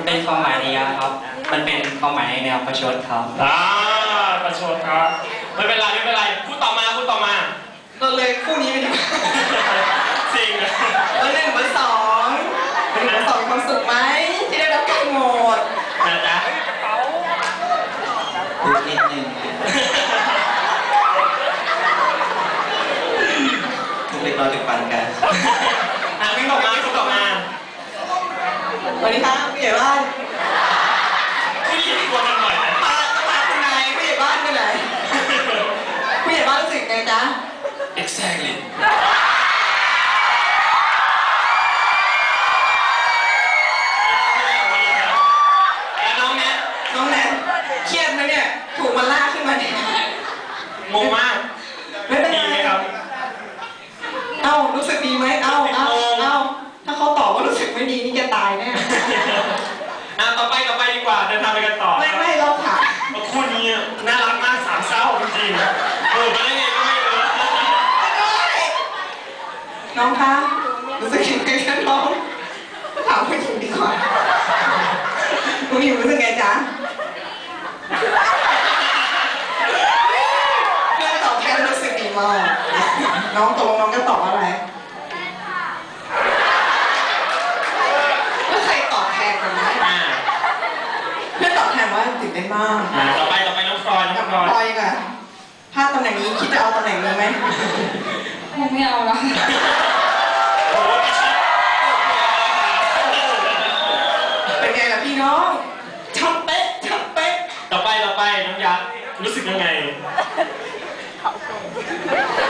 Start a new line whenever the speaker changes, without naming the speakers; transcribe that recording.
เป็นความหมายนิยามครับมันเป็นความหมายในแนวประชดครับ
ประชดครับไม่เป็นไรไม่เป็นไรพูดต่อมา
เราเลยคู่นี้ไปดีกว่า
จริง
เบอร์ 1 เบอร์ 2มีความสุขไหมที่ได้รับการโหวต
นะจ๊ะ
พูดนิดนึงทุกเล็กน้อยถึงปานกลาง
วิ่งต่อมา
สวัสดีครับผู้ใหญ่บ้าน
ผู้หญิงกลัวกันหน่อยนะ
พาคุณนายผู้ใหญ่บ้านไปไหนผู้ใหญ่บ้านรู้สึกไงจ๊ะ
exactly น้องแนท
เครียดไหมเนี่ยถูกมันลากขึ้นมาเนี่ย
งงมาก
ไม่เป็นไร
ครับ
รู้สึกดีไหมถ้าเขาตอบว่ารู้สึกไม่ดีนี่แกตายแน่
ต่อไปดีกว่าเดินทางไปกันต่อ
ไม่เราถาม
คู่นี้น่ารักมาก3 เศร้าจริงๆมาได้ไงก็ไม่รู้
น้องคะรู้สึกยังไงกันน้องถามผู้หญิงดีกว่าผู้หญิงรู้สึกไงจ๊ะเพื่อนตอบแทนรู้สึกดีมากน้องก็ตอบอะไรแล้วใครตอบแทนกันไหมเพื่อนตอบแทนว่าตื่นเต้นมาก
ต่อไปน้องฟลอย
ค่ะถ้าตำแหน่งนี้คิดจะเอาตำแหน่งนี้ไหม
ไม่เอาละ
เป็นไงล่ะพี่น้องช่ำเป๊ะ
ต่อไปน้องยักษ์รู้สึกยังไง